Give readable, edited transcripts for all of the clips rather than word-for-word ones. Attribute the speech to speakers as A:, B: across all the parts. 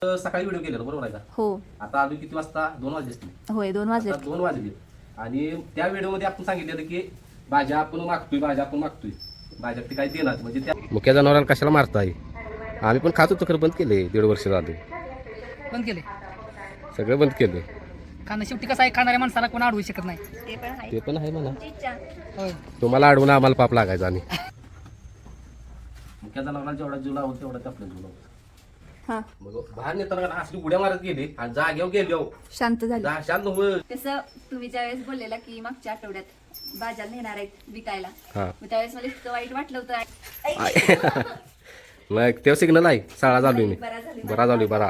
A: सकाळी व्हिडिओ केलेला बरोबर आहे का?
B: हो.
A: आता अजून किती वाजता? 2 वाजले असतील.
B: होय 2 वाजले.
A: 2 वाजले आणि त्या व्हिडिओमध्ये आपण सांगितलेलं की भाज्या आपण मागतोय भाज्या ते काही देणार म्हणजे त्या मुख्य जनावरांना कशाला मारताय. आम्ही पण खात होतो खरं बंद केले 1.5 वर्ष झाले.
C: बंद केले
A: सगळं बंद केलं.
C: कारण शेवटी कसं आहे खाणाऱ्या माणसाला कोण अडवू शकत नाही.
A: ते पण आहे म्हणा.
C: होय
A: तुम्हाला अडवून आम्हाला पाप लागायचा आणि मुख्य जनावरांना जेवढा जीव लावतो तेवढा आपल्या जीव लावतो.
B: हा
A: मग बाहेर नेताना असली उड्या मारत गेली आणि जागेवर गेलो
B: शांत झाली.
A: शांत होय.
B: कसं तुम्ही ज्यावेळेस बोललेला की मागच्या आठवड्यात बाजारला नेणार आहेत विकायला,
A: हा
B: मग त्यावेळेस मला इतकं वाईट वाटलं होतं.
A: मग तेव्हा सिग्नल आहे शाळा चालू मी
B: बरा झाली.
A: बरा.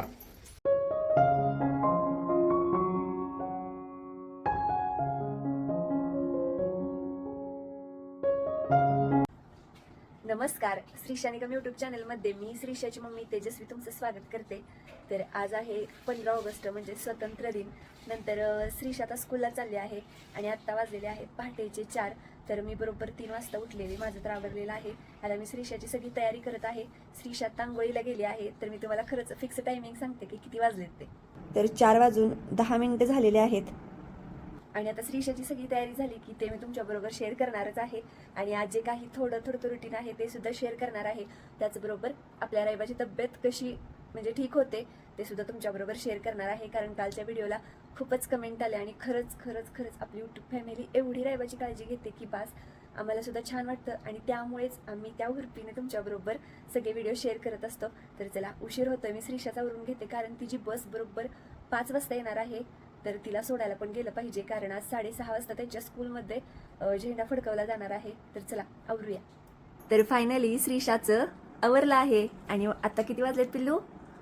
B: नमस्कार, श्रीशा निगम यूट्यूब चॅनलमध्ये मी श्रीशाची मम्मी तेजस्वी तुमचं स्वागत करते. तर आज आहे 15 ऑगस्ट म्हणजे स्वतंत्र दिन. नंतर श्रीशा आता स्कूलला चालली आहे आणि आत्ता वाजलेले आहेत पहाटेचे 4. तर मी बरोबर 3 वाजता उठलेले, माझं तर आवरलेलं आहे. आता मी श्रीशाची सगळी तयारी करत आहे. श्रीशा तांगोळीला गेली आहे. तर मी तुम्हाला खरंच फिक्स टायमिंग सांगते की किती वाजलेत ते. तर 4 वाजून 10 मिनिटं झालेले आहेत आणि आता श्रीशाची सगळी तयारी झाली की ते मी तुमच्याबरोबर शेअर करणारच आहे. आणि आज जे काही थोडं रुटीन आहे ते सुद्धा शेअर करणार आहे. त्याचबरोबर आपल्या रायबाची तब्येत कशी म्हणजे ठीक होते ते सुद्धा तुमच्याबरोबर शेअर करणार आहे. कारण कालच्या व्हिडिओला खूपच कमेंट आले आणि खरंच आपली यूट्यूब फॅमिली एवढी रायबाची काळजी घेते की बास, आम्हाला सुद्धा छान वाटतं आणि त्यामुळेच आम्ही त्या हुरपीने तुमच्याबरोबर सगळे व्हिडिओ शेअर करत असतो. तर चला, उशीर होतोय, मी श्रीशाचा वरून घेते कारण तिची बस बरोबर 5 वाजता येणार आहे. तर तिला सोडायला पण गेलं पाहिजे कारण आज 6:30 वाजता त्यांच्या स्कूलमध्ये झेंडा फडकवला जाणार आहे. तर चला आवरूया. तर फायनली श्रीशाचं आवरलं आहे आणि आता किती वाजलेत पिल्लू?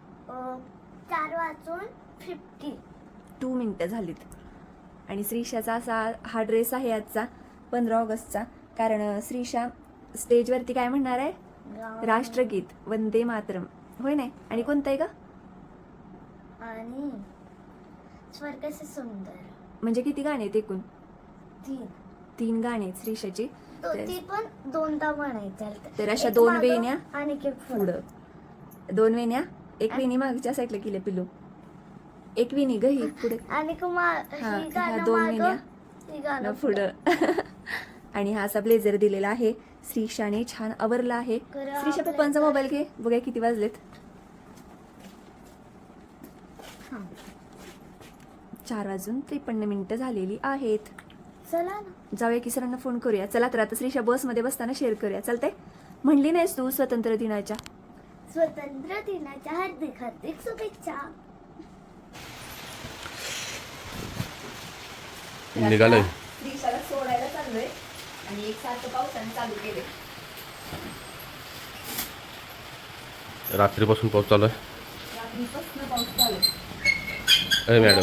D: 4:52
B: मिनिटं झालीत. आणि श्रीशाचा असा हा ड्रेस आहे आजचा 15 ऑगस्टचा. कारण श्रीशा स्टेजवरती काय म्हणणार आहे? राष्ट्रगीत वंदे मातरम, होय नाही? आणि कोणतं आहे का?
D: आणि स्वर्ग से सुंदर.
B: म्हणजे किती गाणे आहेत एकूण? 3 गाणे आहेत श्रीशाची.
D: ती पण 2दा म्हणायचं.
B: तर अशा 2 वेण्या
D: आणि
B: पुढं, 2 वेण्या, एक वेणी मागच्या साईडला केली पिल्लू, एक वेणी ग ही पुढे
D: आणि
B: ह्या 2 वेण्या पुढं. आणि हा असा ब्लेझर दिलेला आहे. श्रीशाने छान आवरला आहे. श्रीशा पप्पांचा मोबाईल घे, बघा किती वाजलेत. 4:53 झालेली आहेत.
D: चला ना
B: जाऊया की सरांना फोन करूया. चला तर आता श्रीशा बसमध्ये बसताना शेअर करूया. चालतंय? म्हणली नाहीस तू स्वातंत्र्य दिनाच्या
D: हार्दिक शुभेच्छा.
A: निघालोय.
B: श्रीशाला सोडायला चाललोय आणि एकसारखं पावसाने चालू केले.
A: रात्रीपासून पाऊस चालू आहे.
B: रात्रीपासून पाऊस चालू आहे.
A: मॅडम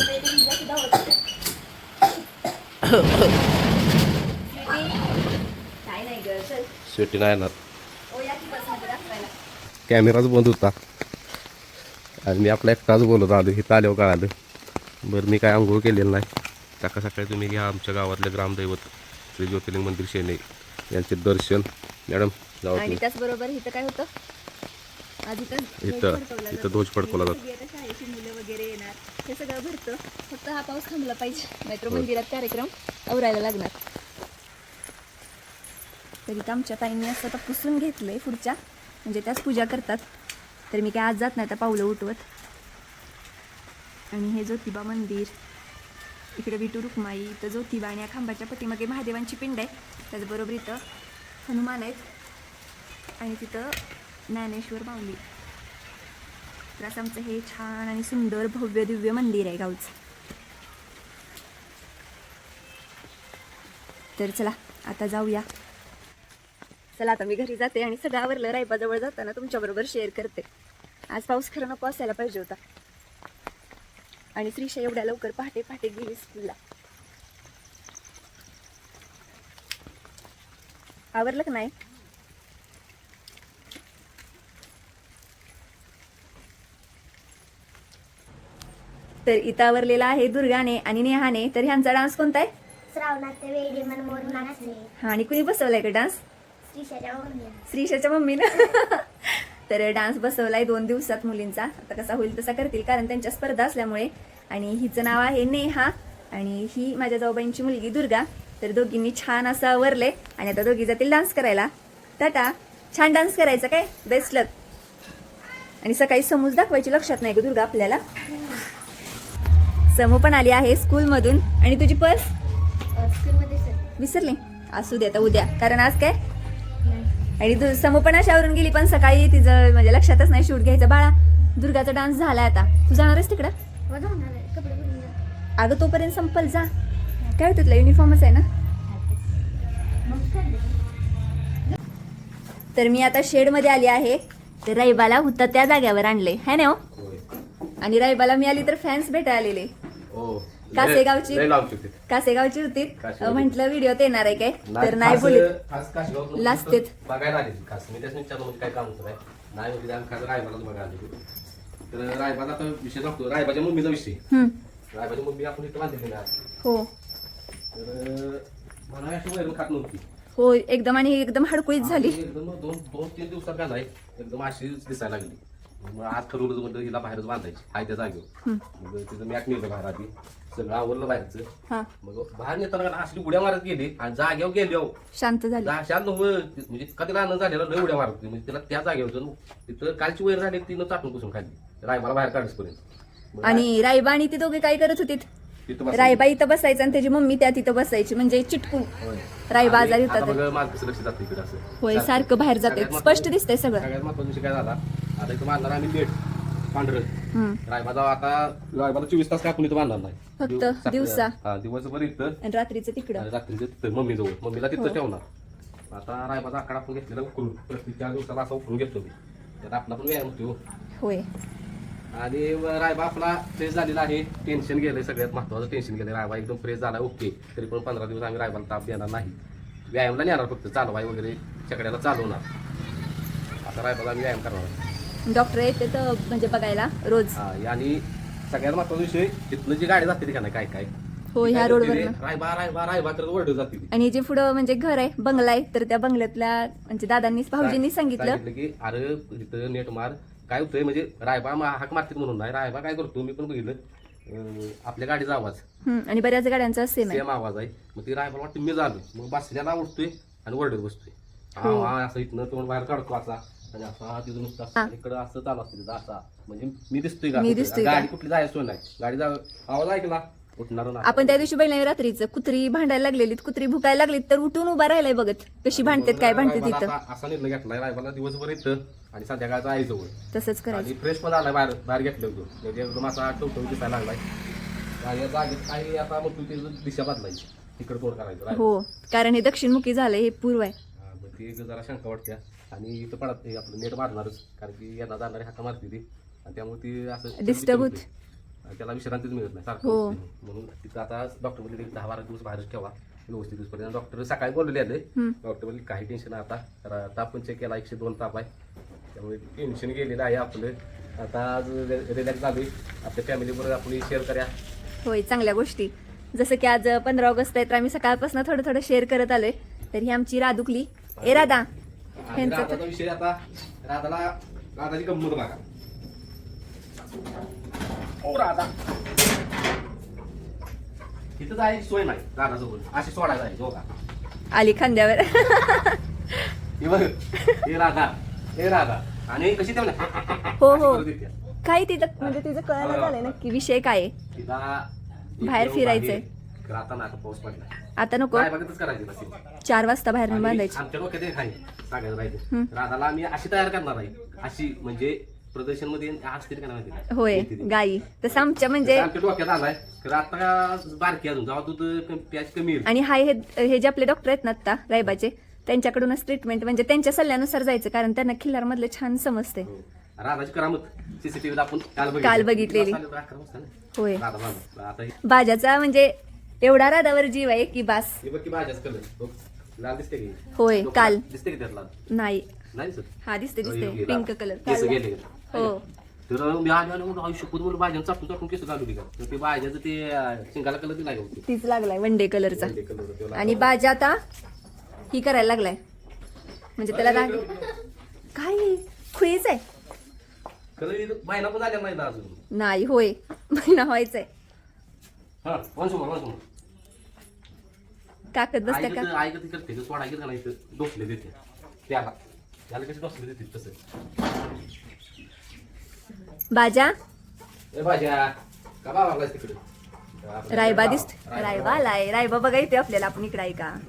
B: काय नाही ग, चल.
A: शेवटी नाही येणार.
B: ओ या की बसमध्ये दाखवायला.
A: कॅमेराच बंद होता आणि मी आपला एकटाच बोलत आलो. इथं आल्यावर कळालं. बरं, मी काय आंघोळ केलेलं नाही. सकाळी तुम्ही घ्या आमच्या गावातले ग्रामदैवत श्री ज्योतिर्लिंग मंदिर शेने यांचे दर्शन. मॅडम जाऊ.
B: आणि त्याचबरोबर इथं काय होतं आज?
A: इथं ध्वज फडकवला जातो.
B: शाळेची मुलं वगैरे येणार, हे सगळं भरतं. फक्त हा पाऊस थांबला पाहिजे, नाहीतर मंदिरात कार्यक्रम आवरायला लागणार. तरी तर आमच्या ताईंनी असं आता पुसून घेतलंय पुढच्या, म्हणजे त्याच पूजा करतात. तर मी काय आज जात नाही, आता पावलं उठवत. आणि हे ज्योतिबा मंदिर, इकडे विठू रुक्माई, इथं ज्योतिबा आणि या खांबाच्या पाठीमागे महादेवांची पिंड आहे. त्याचबरोबर इथं हनुमान आहेत आणि तिथं ज्ञानेश्वर माऊली. तर असं आमचं हे छान आणि सुंदर भव्य दिव्य मंदिर आहे गावचं. तर चला आता जाऊया. चला आता मी घरी जाते आणि सगळं आवरलं. रायबाजवळ जाताना तुमच्याबरोबर शेअर करते. आज पाऊस खरं नको असायला पाहिजे होता. आणि श्रीशा एवढ्या लवकर पहाटे गेली स्कूलला. आवरलं का नाही? तर इथं आवरलेला आहे दुर्गाने आणि नेहाने. तर ह्यांचा डान्स कोणता आहे?
D: श्रावणाचे वेडी मन मोर नाचले.
B: हा, आणि कुणी बसवलाय का डान्स?
D: श्रीशाच्या मम्मीने.
B: श्रीशाच्या मम्मीनं. तर डान्स बसवलाय 2 दिवसात मुलींचा. आता कसा होईल तसा करतील, कारण त्यांच्या स्पर्धा असल्यामुळे. आणि हिचं नाव आहे नेहा आणि ही माझ्या जाऊबाईंची मुलगी दुर्गा. तर दोघींनी छान असं आवरले आणि आता दोघी जातील डान्स करायला. टाटा. छान डान्स करायचा काय, बेस्ट लक. आणि सकाळी समूज दाखवायची लक्षात नाही ग दुर्गा आपल्याला. समू पण आली आहे स्कूलमधून. आणि तुझी पर्स
D: स्कूलमध्ये सर
B: विसरली, असू दे आता उद्या, कारण आज काय. आणि समू पण अशावरून गेली, पण सकाळी तिचं म्हणजे लक्षातच नाही शूट घ्यायचं. बाळा दुर्गाचा डान्स झालाय, आता तू जाणारच तिकडं.
D: माझा होणार आहे कपडे बदलून जा.
B: अगं तोपर्यंत संपल जा. काय तुला युनिफॉर्मच आहे ना.
D: मग काय
B: तर मी आता शेडमध्ये आली आहे. तर राईबाला होता त्या जाग्यावर आणले है ना हो? आणि राईबाला मी आली तर फॅन्स भेटायला आलेले.
A: हो
B: कासेगावची
A: लय लांबची होती.
B: कासेगावची होती.
A: कासेगावची.
B: म्हंटल व्हिडिओत येणार आहे काय, तर नाही बोलत. लाजतेत.
A: बघायला आले खास मी त्याच विचारलं म्हणजे काय काम होतं काय नाही होती आम्ही खास रायबालाच बघायला आले. तर रायबाला आता विषय सांगतो, रायबाच्या मम्मीचा विषय. रायबाची मम्मी आपण इथं बांधलेली ना.
B: हो
A: तर मला अशी वैरण खात नव्हती.
B: हो एकदम, आणि एकदम हडकुळीत झाली.
A: एकदम 2-3 दिवसात घालाय एकदम अशी दिसायला लागली. मग आज ठरवलं म्हणलं हिला बाहेरच बांधायची हाय त्या जागेवर. मग तिचं मॅट नेलं बाहेर आधी, सगळं आवरलं बाहेरचं.
B: हा
A: मग बाहेर नेताना असली उड्या मारत गेली आणि जागेवर गेली.
B: शांत झाली.
A: शांत म्हणजे कधी आनंद झालेला लय उड्या मारत होती. म्हणजे तिला त्या जागेवर होतं तिथं कालची वैर झाली तिनं चाटून पुसून खाल्ली रायबाला बाहेर काढायपर्यंत.
B: आणि रायबा आणि ती दोघे काय करत होतीत. रायबा इथं बसायचं आणि त्याची मम्मी त्या तिथं बसायची, म्हणजे चिटकून. रायबा आजारी होता तर.
A: माझं कसं लक्ष जातं इकडे असं.
B: होय सारखं बाहेर जाते, स्पष्ट दिसतंय सगळं.
A: सगळ्यात महत्वाचा विषय काय झाला, आता इथं बांधणार आम्ही नेट पांढरं. रायबाचा आता रायबाला 24 तास कापून इथं बांधणार नाही,
B: फक्त दिवसा.
A: हा दिवसभर इथं
B: आणि रात्रीचं तिकडं.
A: आणि रात्रीचं तिथं मम्मी जवळ, मम्मीला तिथं ठेवणार. आता रायबाचा आकडा आपण घेतलेला उकरून प्रत्येक 4 दिवसाला असा उकरून घेतो मी. त्यात आपला पण व्यायाम होतो.
B: होय
A: आणि रायबा आपला फ्रेश झालेला आहे. टेन्शन गेलंय, सगळ्यात महत्वाचं टेन्शन गेलंय. रायबा एकदम फ्रेश झाला ओके. तरी पण 15 दिवस आम्ही रायबाला ताप देणार नाही. व्यायामला नेणार फक्त, चालवाय वगैरे चकड्याला चालवणार. आता रायबाला आम्ही व्यायाम करणार.
B: डॉक्टर येते तर म्हणजे बघायला रोज.
A: हा आणि सगळ्यात महत्वाचा विषय, तिथनं जी गाडी जाते का नाही काय काय
B: हो ह्या रोडवर.
A: रायबा रायबा रायबा करत ओरडत जाते.
B: आणि जे पुढं म्हणजे घर आहे, बंगला आहे, तर त्या बंगल्यातल्या म्हणजे दादांनी भाऊजींनी सांगितलं
A: की अरे इथं नेट मार. काय होतंय म्हणजे रायबा हाक मारतील म्हणून नाही. रायबा काय करतो मी पण बघितलं, आपल्या गाडीचा आवाज
B: आणि बऱ्याच गाड्यांचा सेम आहे.
A: सेम आवाज आहे. मग ती रायबाला वाटतं मी झालो, मग बसल्याला उठतोय आणि ओरडत बसतोय. हा असं इथनं तोंड बाहेर काढतो असा आणि असा तिथं नुसतं इकडं असं चालू असतं तिथं असा. म्हणजे मी दिसतोय का, गाडी कुठली जायचं नाही. गाडी आवाज ऐकला उठणार ना.
B: आपण त्या दिवशी बघितलं रात्रीचं, कुत्री भांडायला लागलेली, कुत्री भुकायला लागली, तर उठून उभा राहिलाय बघत कशी भांडतात काय भांडतात तिथं.
A: असा निर्णय घेतलाय रायबाला दिवसभर येतं आणि संध्याकाळचा आई जवळ.
B: तसंच करायचं.
A: आणि फ्रेश पण आलाय, बाहेर घेतलं होतं म्हणजे एकदम असा टवटवी दिसायला लागलाय. आणि या जागेत काही आता मग तुझी दिशा बदलायची, तिकडे तोड करायचं.
B: हो कारण हे दक्षिणमुखी झालंय, हे पूर्व आहे.
A: मग ती जरा शंका वाटते. आणि इथं पडत आपलं नेट मारणारच, कारण की यांना जाणारी हाका मारते ती आणि त्यामुळे ती असं
B: डिस्टर्ब होत.
A: त्याला विश्रांतीच मिळत नाही सारखं. म्हणून तिथं आता डॉक्टर बोलले 10-12 दिवस बाहेरच ठेवा व्यवस्थित दिवसपर्यंत. डॉक्टर सकाळी बोललेले आले. डॉक्टर बोलले काही टेन्शन आहे आता, ताप पण चेक केला 102 ताप आहे, त्यामुळे टेन्शन गेलेलं आहे आपलं. आता आज रिलॅक्स झालोय. आपल्या फॅमिलीबरोबर आपण शेअर करूया.
B: होय चांगल्या गोष्टी. जसं की आज 15 ऑगस्ट आहे, तर आम्ही सकाळपासून थोडं शेअर करत आलोय. तर ही आमची राधुकली. ए राधा,
A: राधाचा विषय आता राधाची गंमत बघा. ओ राधा इथं जायची सोय नाही राधाजवळ, अशी सोडायला जायची बघा
B: आली खांद्यावर.
A: हे बघ, हे राधा आणि कशी ते
B: हो हो काय तिथं म्हणजे तिचं कळायला झालंय नक्की विषय काय आहे.
A: तिला
B: बाहेर फिरायचंय.
A: आता ना आता पाऊस पडला,
B: आता नको,
A: काय बघतच करायची बस.
B: 4 वाजता बाहेर बांधायची.
A: आमच्या डोक्यात एक आहे सांगायचं राहायचं, राधाला आम्ही अशी तयार करणार आहे, अशी म्हणजे प्रदर्शन मध्ये असतील का नाही
B: होय गाई. तसं आमच्या म्हणजे
A: आमच्या डोक्यात आलाय. तर आता बारकी अजून जेव्हा दूध प्याज कमी येईल.
B: आणि हे जे आपले डॉक्टर आहेत ना आता रायबाचे, त्यांच्याकडूनच ट्रीटमेंट म्हणजे त्यांच्या सल्ल्यानुसार जायचं, कारण त्यांना खिल्लार मधले छान समजते.
A: राधाची करामत सीसीटीव्हीला आपण
B: काल बघितलेली. होय
A: आता
B: बाजाचा म्हणजे एवढा राधावर जीव आहे की बास.
A: हे बघ की भाज्याच कलर लाल दिसते की.
B: होय काल
A: दिसते की त्यातला
B: नाही
A: नाही सर.
B: हा दिसते पिंक कलर.
A: गेले
B: हो
A: तर मी आलो आयुष्य मुलं भाज्या चापून चापून केस घालू का. तर ते भाज्याचं ते शिंगाला कलर दिला होती,
B: तीच लागलाय वनडे कलरचा.
A: कलर.
B: आणि बाजा आता ही करायला लागलाय म्हणजे त्याला काय खुईच आहे
A: कधी महिना पण झाल्या नाही ना अजून.
B: नाही होय महिना व्हायचंय.
A: हा वंशुमा
B: काकत बसत्या का
A: आई कधी करते ते सोडा घेत नाही डोसले देते त्याला कशी डोसले देते तसं.
B: बाजा
A: ए भाज्या का बाबा तिकडे
B: रायबा दिसतो. रायबा आलाय. रायबा बघा येते आपल्याला. आपण इकडे आहे का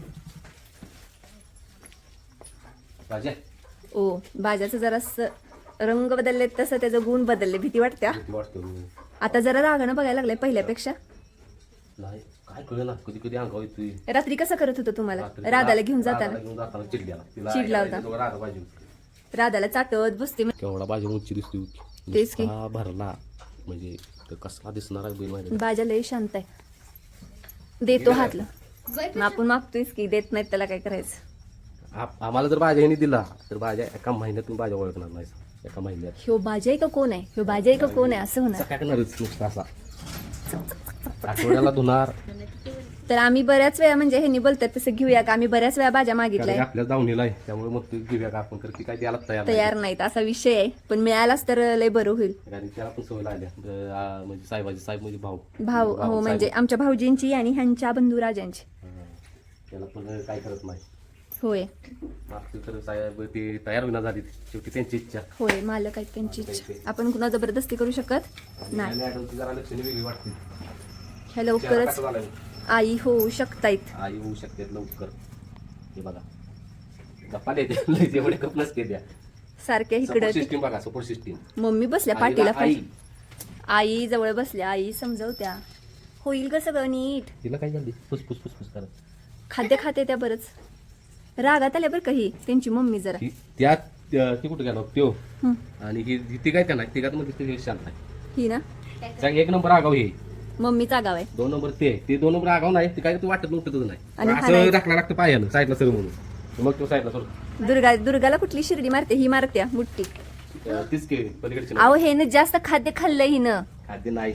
A: भाज्या
B: ओ बाजाचं जरा रंग बदलले तसं त्याचं गुण बदलले. भीती वाटत्या.
A: किती वाटतं
B: आता जरा रागानं बघायला लागलाय पहिल्यापेक्षा.
A: नाही काय कळलं ना कधी कधी अंगावर येतोय.
B: रात्री कसं करत होतं तुम्हाला राधाला घेऊन जाताना? चिडला होता.
A: राधा भाजी
B: राधाला चाटत बसते.
A: केवढा भाजी उंची दिसते.
B: तेच की.
A: नुसता भरला म्हणजे तर कसला दिसणार आहे बैल माहिती
B: बाजा लय शांत आहे. देतो हातला. मग आपण मागतोयच की देत नाहीत त्याला काय करायचं.
A: आम्हाला जर भाज्याने दिला तर भाज्या एका महिन्यातून भाज्या ओळखणार नाही. एका महिन्यात
B: ह्यो बाजा आहे का कोण आहे? ह्यो बाजा आहे का कोण आहे असं होणार.
A: काय करणारच नुसता असा आठवड्याला धुणार.
B: तर आम्ही बऱ्याच वेळा म्हणजे ह्यांनी बोलतात तसं घेऊया का. आम्ही बऱ्याच वेळा भाज्या मागितलाय.
A: आपल्या दावणीला आहे त्यामुळे मग ते घेऊया का आपण तर ती काय द्यायला तयार
B: तयार नाहीत असा विषय आहे. पण मिळालाच तर लय बरं होईल.
A: आणि त्याला पण सवय लागल्या म्हणजे साहेब म्हणजे भाऊ
B: भाऊ हो म्हणजे आमच्या भाऊजींची आणि ह्यांच्या बंधुराजांची.
A: त्याला पण काय करत नाही.
B: होय
A: मागची तर साहेब ते तयार होईना झाली शेवटी त्यांची इच्छा.
B: होय मालक आहेत त्यांची इच्छा. आपण कुणा जबरदस्ती करू शकत नाही.
A: मॅडमची जरा लक्षणे वेगळी वाटते.
B: ह्या लवकरच आई होऊ शकतायत.
A: आई होऊ शकते लवकर. हे बघा गप्पा देते जेवढे कप नसते द्या.
B: सारख्या इकडं
A: सिस्टीम बघा सपोर्ट सिस्टीम.
B: मम्मी बसल्या पाठीला
A: आई
B: आई जवळ बसल्या. आई समजवत्या. होईल ग सगळं नीट.
A: तिला काय झाली फुसफुस फुसफुस करत.
B: खाद्य खाते त्या बरंच. रागात आल्या बरं काही त्यांची मम्मी जरा.
A: त्यात ती कुठे गेलो त्यो
B: हं.
A: आणि ही ती काय त्यांना तिघात मध्ये ते शांत आहे.
B: ही ना
A: सांग एक नंबर आगाव हे
B: मम्मीचा गाव आहे.
A: 2 नंबर ते 2 नंबर आगाव नाही ते काय तू वाटत नव्हतं
B: आणि
A: नाही असं
B: हाणायचं.
A: टाकला लागतं पायानं साईडला सर म्हणून मग तो साईडला सर
B: दुर्गाला कुठली शिर्डी मारते? ही मारत्या मुठ्ठी.
A: तीच के पलीकडची
B: अहो हे ना जास्त खाद्य खाल्लंय हिनं.
A: खाद्य नाही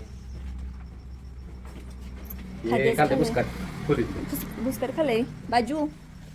B: खाद्य
A: खाद्य पुस्कार
B: भुसकर खाल्लंय. बाजू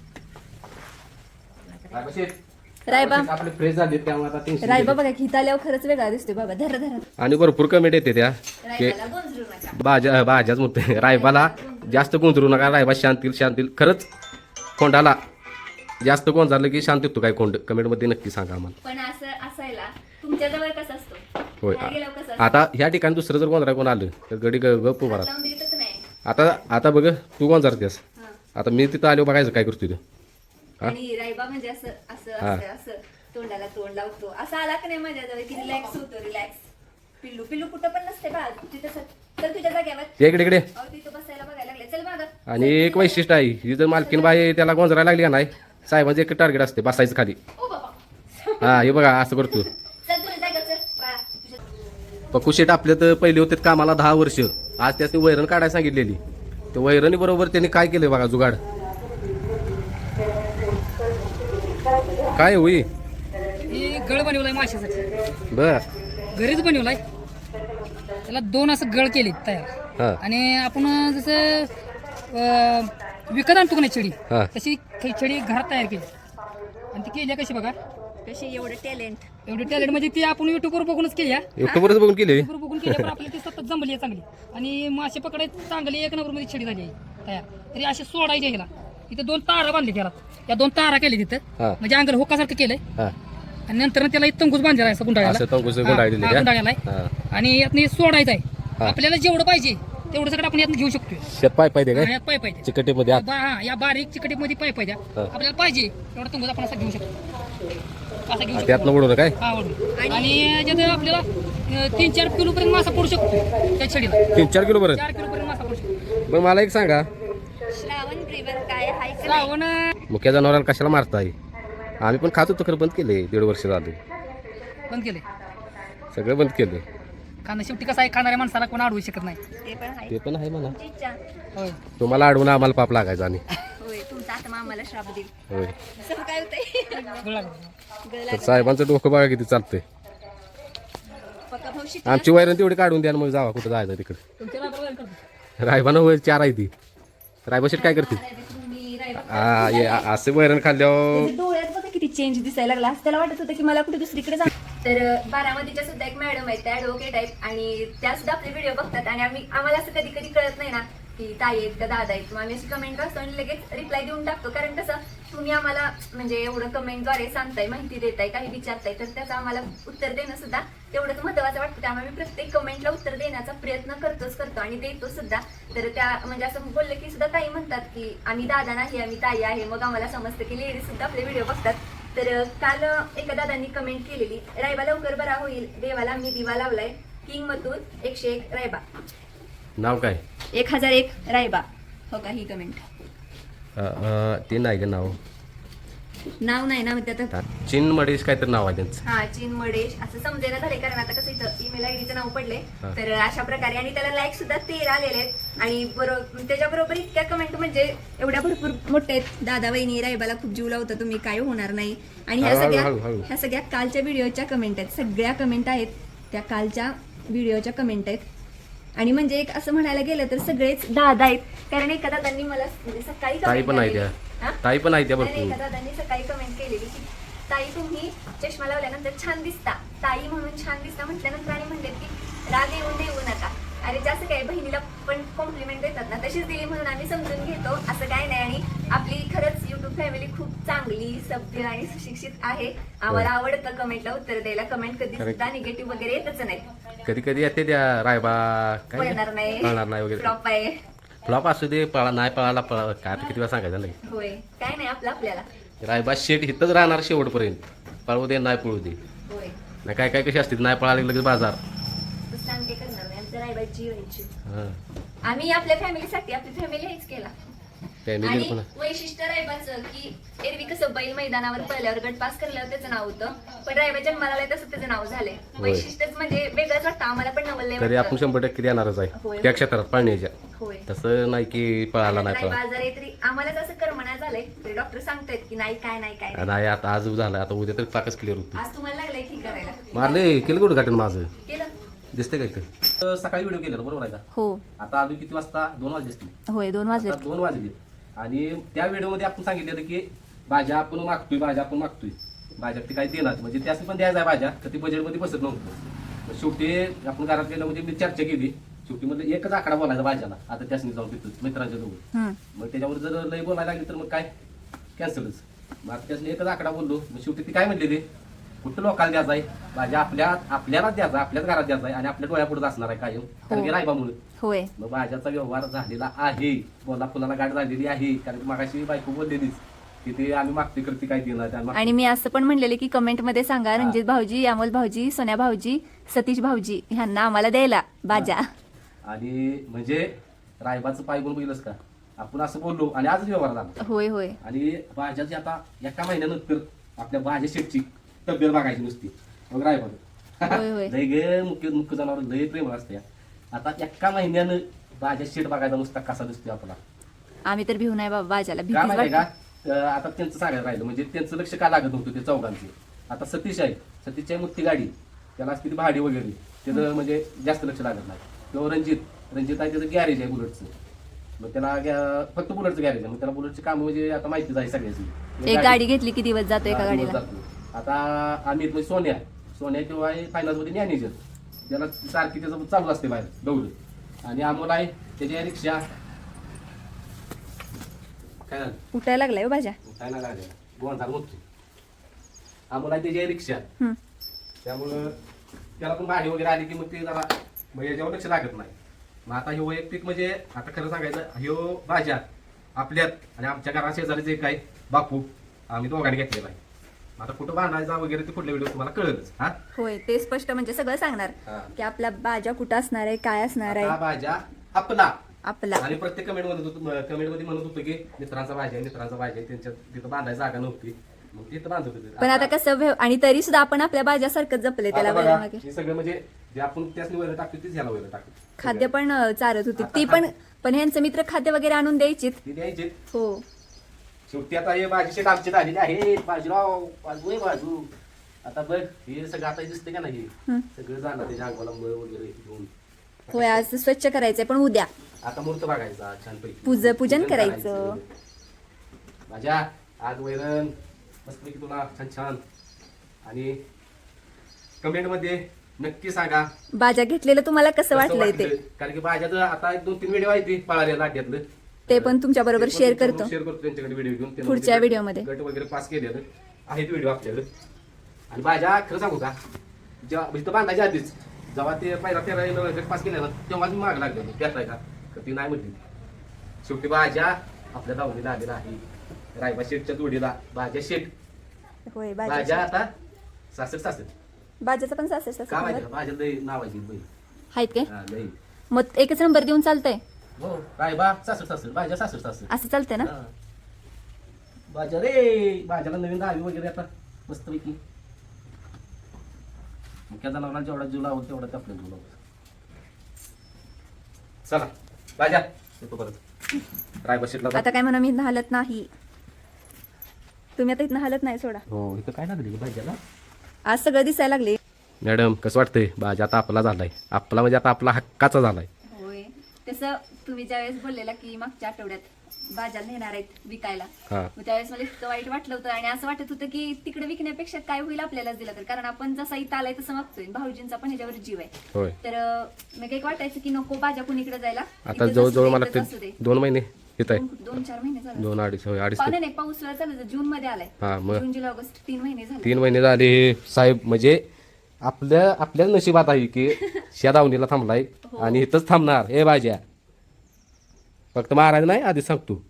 B: रायबा
A: आपले फ्रेश झाले त्यामुळे आता tension
B: रायबा
A: गेले.
B: बघा की आल्यावर खरंच वेगळा दिसतोय बाबा. धरा धरा.
A: आणि भरपूर कमेंट येते त्या की
B: रायबाला गोंजरू नका.
A: भाज्याच म्हणते रायबाला जास्त गोंधळू नका. रायबा शांतील खरंच कोंडाला जास्त गोंजारलं की शांत येतो काय कोंड कमेंट मध्ये नक्की सांगा आम्हाला.
B: पण असं असायला तुमच्या जवळ कसं असतो?
A: होय
B: बाहेर गेल्यावर कसं असतं?
A: आता ह्या ठिकाणी दुसरं जर गोंधळा कोण आलं तर गडी गप्प भरा.
B: लावून देतच नाही.
A: आता बघ तू गोंजारतेस.
B: हा.
A: आता मी तिथं आलो बघायचं काय करतोय तू.
B: आणि रायबा म्हणजे असं असं
A: हा.
B: असं असं तोंडाला तोंड लावतो. असं आला का नाही माझ्याजवळ की रिलॅक्स होतो. रिलॅक्स. पिल्लू पिल्लू कुठं पण नसते बा. तिथं चल तुझ्या जाग्यावर.
A: इकडे
B: अहो तिथं बसायला बघायला लागले. चल मागं.
A: आणि एक वैशिष्ट्य आहे ही जर मालकीन बाई त्याला गोंजरायला लागली का नाही साहेबांचं एक टार्गेट असते बसायचं खाली.
B: ओ बाबा
A: हा हे बघा असं करतो.
B: चल तुझ्या जाग्यावर चल बाळा. तुझ्या
A: पक्कू शेट आपल्या तर पहिले होते कामाला 10 वर्ष. आज त्याने वैरण काढायला सांगितलेली. ते वैरणी बरोबर त्यांनी काय केलंय बघा जुगाड. काय होई
C: ही गळ बनवलाय माशासाठी.
A: बर
C: घरीच बनवलाय. त्याला 2 असं गळ केले तयार.
A: हा
C: आणि आपण जसं विकत आणतो का नाही छडी
A: हा.
C: तशी छडी घरात तयार केली. आणि ती केली कशी बघा.
B: कशी एवढं टॅलेंट.
C: एवढी टॅलेंट म्हणजे ती आपण युट्यूबवर बघूनच केली.
A: युट्यूबवरच बघून केली.
C: युट्यूबवर बघून केली पण आपल्याला ती सतत जमली आहे चांगली. आणि मासे पकडायची चांगली 1 नंबरमध्ये छडी झाली आहे तयार. तरी अशी सोडायची ह्याला. इथं 2 तारा बांधले त्याला. या 2 तारा केले तिथं
A: हा.
C: म्हणजे अंगाला होकासारखं केलंय.
A: हा
C: आणि नंतर त्याला एक तंगूस बांधलेला आहे असं गुंडाळ्याला.
A: असं तंगूस गुंडाळलेलं आहे.
C: गुंडाळ्याला
A: हा.
C: आहे. आणि यातनं सोडायचं आहे.
A: हा.
C: आपल्याला जेवढं पाहिजे तेवढं सगळं आपण यातनं घेऊ शकतोय.
A: शेत पाय पाहिजे काय
C: यात पाईप पाहिजे.
A: चिकटेमध्ये आत.
C: या बारीक चिकटीमध्ये पाईप पाहिजे.
A: हा.
C: आपल्याला पाहिजे एवढा तंगूस आपण असा घेऊ शकतो. असा घेऊ शकतो.
A: त्यातनं उडवणं काय
C: हा वळून. आणि याच्यात आपल्याला 3-4 किलो पर्यंत मासा पडू शकतो त्या छडीला.
A: 3-4 किलो बरं.
C: 4 किलो पर्यंत मासा पडू शकतो.
A: मग मला एक सांगा
B: श्रावण ब्रेवर काय हाय का नाही?
C: श्रावण
A: मुख्या जनावरांना कशाला मारताय. आम्ही पण खात होतो खरं बंद केले 1.5 वर्ष झाले.
C: बंद केले.
A: सगळं बंद केलं.
C: कारण शेवटी कसं आहे खाणाऱ्या माणसाला कोण अडवू शकत नाही.
B: ते पण हाय.
A: ते पण आहे म्हणा.
B: तुमची इच्छा.
C: होय.
A: तुम्हाला अडवून आम्हाला पाप लागायचा आणि
B: होय तुमचा आत्मा आम्हाला श्राप देईल.
A: होय
B: असं काय होतंय?
C: गळा.
A: तर साहेबांचं डोकं बघा किती चालतंय.
B: पक्का भाऊ शिक.
A: आमची वैरण तेवढी काढून द्या मग जावा कुठं जायचं तिकडे.
C: तुमच्या राबाला करतो.
A: रायबानं वैर 4 आहे ती. रायबा शेट काय करते
B: तुम्ही रायबा.
A: हा असं वैरण खाल्ल्यावर
B: त्याच्या डोळ्यात बघा किती किती चेंज दिसायला लागला. त्याला वाटत होतं की मला कुठे दुसरीकडे जा. तर बारामतीच्या सुद्धा एक मॅडम आहेत, त्या ॲडव्होकेट आहेत आणि त्या सुद्धा आपले व्हिडिओ बघतात आणि आम्हाला असं कधी कधी कळत नाही ना की ताई आहेत का दादा आहेत, मग आम्ही अशी कमेंट वाचतो आणि लगेच रिप्लाय देऊन टाकतो. कारण कसं तुम्ही आम्हाला म्हणजे एवढं कमेंटद्वारे सांगताय, माहिती देताय, काही विचारताय, तर त्याचं आम्हाला उत्तर देणं सुद्धा तेवढंच महत्त्वाचं वाटतं. त्यामुळे मी प्रत्येक कमेंटला उत्तर देण्याचा प्रयत्न करतो आणि देतो सुद्धा. तर त्या म्हणजे असं बोललं की सुद्धा ताई म्हणतात की आम्ही दादा नाही, आम्ही ताई आहे. मग आम्हाला समजतं की लेडीज सुद्धा आपले व्हिडिओ बघतात. तर काल एका दादांनी कमेंट केलेली, रायबा लवकर बरा होईल, देवाला मी दिवा लावलाय, किंग मथुर 101 रायबा.
A: नाव काय?
B: 1001 रायबा. हो का ही कमेंट?
A: ते नाही का नाव?
B: नाव नाही ना, म्हणजे आता
A: चिन मडेश काहीतरी नाव आहे त्यांचं.
B: हा चीन मडेश असं समजायला झाले. कारण आता कसं इथं ईमेल आयडीचं नाव पडले.
A: हा.
B: तर अशा प्रकारे आणि त्याला लाईक सुद्धा 13 आलेले आहेत आणि बरोबर त्याच्याबरोबर इतक्या कमेंट म्हणजे एवढ्या भरपूर मोठे आहेत. दादा वहिनी रायबाला खूप जीव लावता तुम्ही, काय होणार नाही. आणि
A: हळू.
B: ह्या सगळ्या कालच्या व्हिडिओच्या कमेंट आहेत. सगळ्या कमेंट आहेत त्या कालच्या व्हिडिओच्या कमेंट आहेत. आणि म्हणजे एक असं म्हणायला गेलं तर सगळेच दादा आहेत. कारण एका दादांनी मला म्हणजे सकाळी
A: ताई पण आहे त्या. ताई पण आहे त्या
B: एका
A: भरपूर.
B: दादांनी सकाळी कमेंट केलेली की ताई तुम्ही चष्मा लावल्यानंतर छान दिसता, ताई म्हणून छान दिसता म्हटल्यानंतर आणि म्हणले की राग येऊन देऊ नका. अरे जास्त काय, बहिणीला पण कॉम्प्लिमेंट देतात ना, तशीच दिली म्हणून आम्ही समजून घेतो, असं काय नाही. आणि आपली खरंच युट्यूब फॅमिली खूप चांगली, सभ्य आणि सुशिक्षित आहे. आम्हाला आवडतं कमेंटला उत्तर द्यायला. कमेंट कधी सुद्धा निगेटिव्ह वगैरे येतच नाही.
A: कधी कधी येते त्या रायबा काय
B: पळणार नाही,
A: पळणार नाही वगैरे.
B: फ्लॉप आहे.
A: फ्लॉप असू दे, पळा नाही पळाला पळा, काय आता किती वेळा सांगायचं नाही.
B: होय, काय नाही आपलं आपल्याला.
A: रायबा शेट इथंच राहणार शेवटपर्यंत. पळू दे नाही पळू दे.
B: होय,
A: नाही काय काय कशी असते, नाही पळाले लगेच बाजार.
B: तसं आम्ही काय करणार नाही. आमचं रायबाची व्हायची.
A: हां
B: आम्ही आपल्या फॅमिलीसाठी, आपली फॅमिली हेच केला.
A: फॅमिली
B: आणि
A: पण
B: वैशिष्ट्य रायबाचं की एरवी कसं बैल मैदानावर पळल्यावर गट पास करल्यावर त्याचं नाव होतं, पण रायबा जन्माला आलाय तसं त्याचं नाव झालंय. वैशिष्ट्यच म्हणजे वेगळंच वाटतं आम्हाला पण नवल
A: तरी आपण 100% येणारच
B: होय.
A: आहे त्या क्षेत्रात पाळण्याच्या.
B: होय.
A: तसं नाही की पळाला नाही
B: रायबा
A: पळा.
B: आजारी आहे तरी आम्हाला तसं करमना झालंय, तरी डॉक्टर सांगतायत की नाही काय नाही काय नाही.
A: नाही आता आज झालं, आता उद्या तरी पाकच क्लिअर होती.
B: आज तुम्हाला लागलंय ठीक करायला.
A: मारले केलं कुठं गाठन माझं
B: केलं.
A: दिसतंय का इथं? सकाळी व्हिडिओ केला बरोबर आहे का?
B: हो
A: आता अजून किती वाजता? 2 वाजले असतील.
B: होय, 2 वाजले.
A: आता 2 वाजले आणि त्या व्हिडिओमध्ये आपण सांगितलेलं की भाज्या आपण मागतोय, भाज्या ते काही देणार म्हणजे त्यासाठी पण द्यायचं आहे भाज्या, तर ती बजेटमध्ये बसत नव्हतं. मग शेवटी आपण घरात गेलं म्हणजे मी चर्चा केली. शेवटी म्हणजे एकच आकडा बोलायचा भाज्याला. आता त्यासनी जाऊन तिथं मित्रांच्या जवळ, मग त्याच्यावर जर लई बोलायला लागली तर मग काय कॅन्सलच. मग आता त्यासनी एकच आकडा बोललो. मग शेवटी ती काय म्हणले, ते कुठं लोकांना द्यायचा आहे भाज्या, आपल्यालाच द्यायचा, आपल्याच घरात द्यायचा आहे आणि आपल्या डोळ्यापुढे असणार आहे कायम, कारण की रायबामुळे.
B: होय,
A: मग भाज्याचा व्यवहार झालेला आहे, बोला फुलाला गाठ झालेली आहे. कारण की मागाशी बायको बोललेलीच की ते आम्ही मागते करते काय देणार.
B: आणि मी असं पण म्हणलेले की कमेंट मध्ये सांगा रणजित भाऊजी, अमोल भाऊजी, सोन्या भाऊजी, सतीश भाऊजी ह्यांना आम्हाला द्यायला भाज्या.
A: आणि म्हणजे रायबाचं पाय बोल बघितलंस का, आपण असं बोललो आणि आजच व्यवहार झाला.
B: होय होय.
A: आणि भाज्याची आता एका महिन्यानंतर आपल्या भाज्या शेटची तब्येत बघायची नुसती. मग रायबा
B: होय होय.
A: लय गे मुख्य जनावर लय प्रेम असते. आता एका महिन्यानं भाज्या शेट बघायचा नुसता कसा दिसतोय आपला.
B: आम्ही तर भिऊ नाही बाबा भाज्याला,
A: काय
B: भीतीच
A: माहिती
B: वाटते.
A: का, आता त्यांचं सांगायला राहिलं म्हणजे त्यांचं लक्ष का लागत नव्हतं ते चौघांचे. आता सतीश आहे, सतीशची आहे मोठी गाडी, त्याला असते ती भाडी वगैरे, त्याचं म्हणजे जास्त लक्ष लागत नाही. किंवा रणजित आहे, त्याचं गॅरेज आहे बुलेटचं, मग त्याला फक्त बुलेटचं गॅरेज आहे. मग त्याला बुलेटची कामं म्हणजे आता माहितीच आहे सगळ्याची.
B: एक गाडी घेतली की दिवस जातो एका गाडीला.
A: आता आम्ही म्हणजे सोन्या किंवा आहे फायनान्समध्ये मॅनेजर, त्याला सारखी त्याचं चालू असते बाहेर दौड. आणि अमोल आहे त्याची आहे रिक्षा. काय झालं?
B: उठायला लागलाय हो भाज्या.
A: काय नाही लागलं, गोंधार मोठतो. अमोल आहे त्याची आहे रिक्षा,
B: हम्म.
A: त्यामुळं त्याला पण भाडी वगैरे आली की मग ते जरा मग याच्यावर लक्ष लागत नाही. मग आता हे वैयक्तिक म्हणजे आता खरं सांगायचं, ह्यो भाज्या आपल्यात आणि आमच्या घरा शेजारी जे काय बापू आम्ही दोघांनी घेतलेला आहे. आता कुठं बांधायचा वगैरे ते पुढल्या व्हिडिओ तुम्हाला कळलंच. हा
B: होय, ते स्पष्ट म्हणजे सगळं सांगणार
A: हा.
B: की आपला भाज्या कुठं असणार आहे, काय असणार
A: हा
B: आहे
A: भाज्या आपला.
B: आपला.
A: आणि प्रत्येक कमेंट मध्ये म्हणत होतो की मित्रांचा भाज्या त्यांच्या तिथं बांधायची जागा नव्हती, मग तिथं बांधत होते.
B: पण आता कसं आणि तरी सुद्धा आपण आपल्या भाज्यासारखं जपले त्याला.
A: आता बघा,
B: मागे
A: हे सगळं म्हणजे जे आपण त्याच वगैरे टाकतो तीच ह्याला वगैरे टाकतो.
B: खाद्य पण चारत होती
A: आता
B: ती पण ह्यांचं मित्र खाद्य वगैरे आणून द्यायचीत.
A: ती द्यायचे.
B: हो,
A: शेवटी आता हे भाजी शेत आमची झालेली आहे. बाजूराव बाजू आता बघ हे सगळं आता दिसते का नाही, सगळं जाणार त्याच्या अंगाला मळ वगैरे घेऊन.
B: होय, आज स्वच्छ करायचंय पण उद्या
A: आता मूर्त बघायचा छानपैकी,
B: पूजन करायचं.
A: माझ्या आज वैरण मस्तपैकी तुला छान छान. आणि कमेंटमध्ये नक्की सांगा
B: बाजा घेतलेलं तुम्हाला कसं
A: कसं
B: वाटलंय ते.
A: वाटलं. कारण की भाज्याचं आता 1-2-3 व्हिडिओ आहे ती पळाल्या लाट्यातलं.
B: ते पण तुमच्या बरोबर शेअर करतो
A: शेअर करतो त्यांच्याकडे व्हिडिओ घेऊन. त्यांना
B: पुढच्या
A: म्हणजे
B: व्हिडिओमध्ये.
A: गट वगैरे पास केलेलं आहेत व्हिडिओ आपल्याकडे. आणि भाज्या खरं सांगू का, जेव्हा इथं बांधायच्या आधीच जेव्हा ते पहिला फेरा गट पास केला ना तेव्हा मी माग लागले होते त्यात का, तर ती नाही म्हटली. शेवटी भाज्या आपल्या दावणीला आलेला आहे. रायबा शेठच्या जोडीला भाज्या शेठ.
B: होय
A: भाज्या
B: बाजा
A: आता सासर
B: बाजाचं पण सासर
A: का माहिती भाज्या लई नावाची बाई.
B: आहेत काय
A: हा लई.
B: मग एकच नंबर देऊन चालतंय
A: हो रायबा सासर भाज्या सासर
B: असं चालतंय ना.
A: हा. भाज्या रे भाज्याला नवीन दहावी वगैरे आता मस्तपैकी. मुख्या जनावरांना जेवढा जीव लावत तेवढा ते आपल्या जीव लावत. चला भाज्या येतो परत. रायबा शेटला
B: आता काय म्हणा मी इथनं हलत नाही. तुम्ही आता इथनं हलत नाही सोडा.
A: हो इथं काय लागली भाज्याला.
B: आज सगळं दिसायला लागले.
A: मॅडम कसं वाटतंय भाज्या आता आपला झालाय. आपला म्हणजे आता आपला हक्काचा झालाय.
B: होय तसं तुम्ही ज्यावेळेस बोललेला की मागच्या आठवड्यात बाजार नेणार आहेत विकायला,
A: हा
B: मग त्यावेळेस मला इतकं वाईट वाटलं होतं आणि असं वाटत होतं की तिकडे विकण्यापेक्षा काय होईल आपल्यालाच दिला तर, कारण आपण जसा इथं आलाय तसं मागतोय. भाऊजींचा पण ह्याच्यावर जीव आहे.
A: होय
B: तर मग काही वाटायचं की नको बाजा कुणीकडे जायला.
A: आता
B: इथेच
A: जवळजवळ
B: असू दे,
A: मला
B: इथेच असू दे.
A: 2 महिने येत आहे.
B: 2-4 महिने झाले.
A: 2-2.5 होय 2.5
B: पाहुणे नाही पाऊस चालू जून मध्ये आलाय.
A: हा मग
B: जून जुलै ऑगस्ट 3 महिने झाले.
A: 3 महिने झाले हे साहेब. म्हणजे आपल्या नशिबात आहे की शेत दावणीला थांबलाय आणि इथंच थांबणार. हे भाज्या फक्त महाराज नाही आधी सांगतो.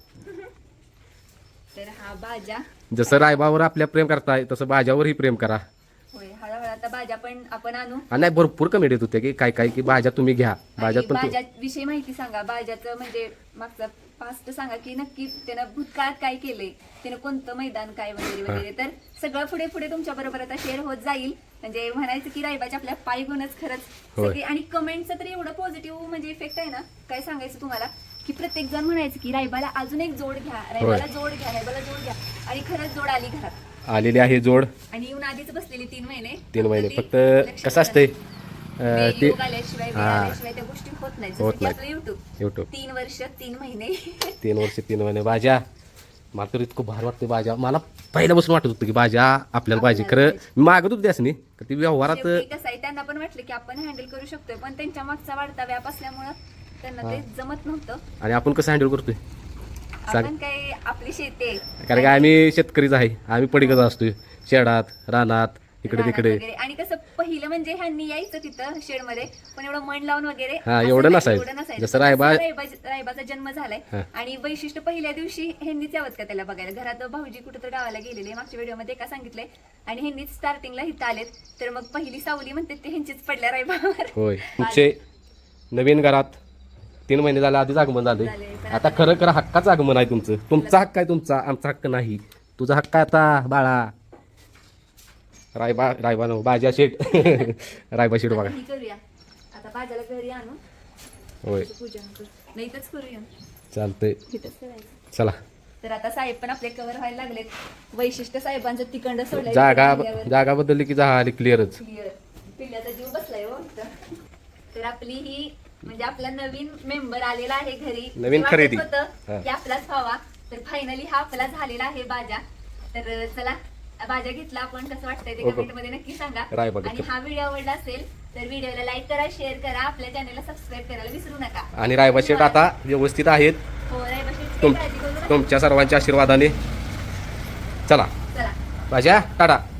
B: तर हा बाजा
A: जसं रायबावर आपल्या प्रेम करताय तसं भाज्यावरही प्रेम करा.
B: होय हळूहळू आता बाजा पण आपण आणू.
A: आणि नाही भरपूर कमेंट येत होते की काय की भाज्या तुम्ही घ्या. भाज्यात पण
B: बाजा विषयी माहिती सांगा. बाजाचं म्हणजे मागचा पास्ट सांगा की नक्की त्यानं भूतकाळात काय केलंय, त्यानं कोणतं मैदान काय वगैरे वगैरे. तर सगळं पुढे पुढे तुमच्या बरोबर आता शेअर होत जाईल. म्हणजे म्हणायचं की रायबाच्या आपल्या पाय गुणच खरंच
A: होय.
B: सगळी. आणि कमेंटचं तर एवढं पॉझिटिव्ह म्हणजे इफेक्ट आहे ना, काय सांगायचं तुम्हाला की प्रत्येक जण म्हणायचं की रायबाला अजून एक जोड घ्या, रायबाला जोड घ्या, रायबाला जोड घ्या. आणि खरंच जोड आली घरात.
A: आलेली आहे जोड.
B: आणि येऊन आधीच बसलेली 3 महिने.
A: 3 महिने
B: ती
A: फक्त
B: लक्षात
A: कसं असतंय
B: ते योग आल्याशिवाय वेळ
A: हा.
B: आल्याशिवाय त्या गोष्टी होत नाही.
A: होत
B: जसं की
A: नाही.
B: आपलं युट्यूब
A: युट्यूब
B: 3 वर्ष 3 महिने
A: 3 वर्ष 3 महिने भाज्या. मला तर इतकं भार वाटते भाज्या. मला पहिल्यापासून वाटत होतं की भाज्या आपल्याला पाहिजे. खरं मी मागत होती त्यासनी का ती व्यवहारात
B: शेवटी कसं आहे त्यांना पण वाटलं की आपण हँडल करू शकतोय, पण त्यांच्या मागचा वाढता व्याप असल्यामुळं त्यांना ते जमत नव्हतं.
A: आणि आपण कसं हँडल करतोय सांग.
B: आपण काय आपली शेती आहे.
A: कारण की आम्ही शेतकरीच आहे. आम्ही पडीकच असतोय शेडात रानात इकडे
B: रानात
A: तिकडे.
B: वगैरे. आणि कसं पहिलं म्हणजे ह्यांनी यायचं तिथं शेड मध्ये, पण एवढं मन लावून वगैरे
A: हा,
B: असं
A: एवढं
B: नाही,
A: नसायचं.
B: एवढं नसायचं.
A: जसं रायबा-
B: रायबाचा जन्म झालाय.
A: हा.
B: आणि वैशिष्ट्य पहिल्या दिवशी ह्यांनीच यावत का त्याला बघायला. घरात भाऊजी कुठं तर गावाला गेलेले मागच्या व्हिडिओमध्ये का सांगितलंय, आणि ह्यांनीच स्टार्टिंगला इथं आलेत. तर मग पहिली सावली म्हणते ते ह्यांचीच पडल्या रायबावर.
A: होय तुमचे नवीन घरात 3 महिने झाले आधीच आगमन झाले.
B: झाले. पण
A: आता खरं हक्काचं आगमन आहे तुमचं. तुमचा हक्क आहे तुमचा, आमचा हक्क नाही. तुझा हक्क आहे आता बाळा. रायबा नो भाज्या शेट रायबा शेट बघा.
B: ही करूया आता बाजाला घरी आणू,
A: होय
B: पूजन करू, नाही तरच करूया.
A: चालतंय.
B: इथंच करायचं.
A: चला
B: तर आता साहेब पण आपले कव्हर व्हायला लागलेत. वैशिष्ट्य साहेबांचं तिकडं सोडलं
A: जागा बदलली की झाली क्लिअरच.
B: क्लिअर. पिल्ल्याचा जीव बसलाय हो इथं. तर आपली ही म्हणजे आपला नवीन मेंबर आलेला आहे घरी.
A: नवीन
B: वाटत
A: खरेदी.
B: होतं
A: हा.
B: की आपलाच व्हावा. तर फायनली हा आपला झालेला आहे बाजा. तर चला बाजा घेतला आपण, कसं वाटतंय ते
A: ओके.
B: कमेंट मध्ये नक्की सांगा.
A: रायबा
B: आणि
A: घेतला.
B: हा व्हिडिओ आवडला असेल तर व्हिडिओला लाईक करा, शेअर करा, आपल्या चॅनलला सबस्क्राईब करायला विसरू नका.
A: आणि रायबा शेट आता व्यवस्थित आहेत
B: हो रायबा शेटची
A: तुम
B: काळजी करू नका.
A: तुमच्या सर्वांच्या आशीर्वादाने. चला
B: चला
A: भाज्या टाटा.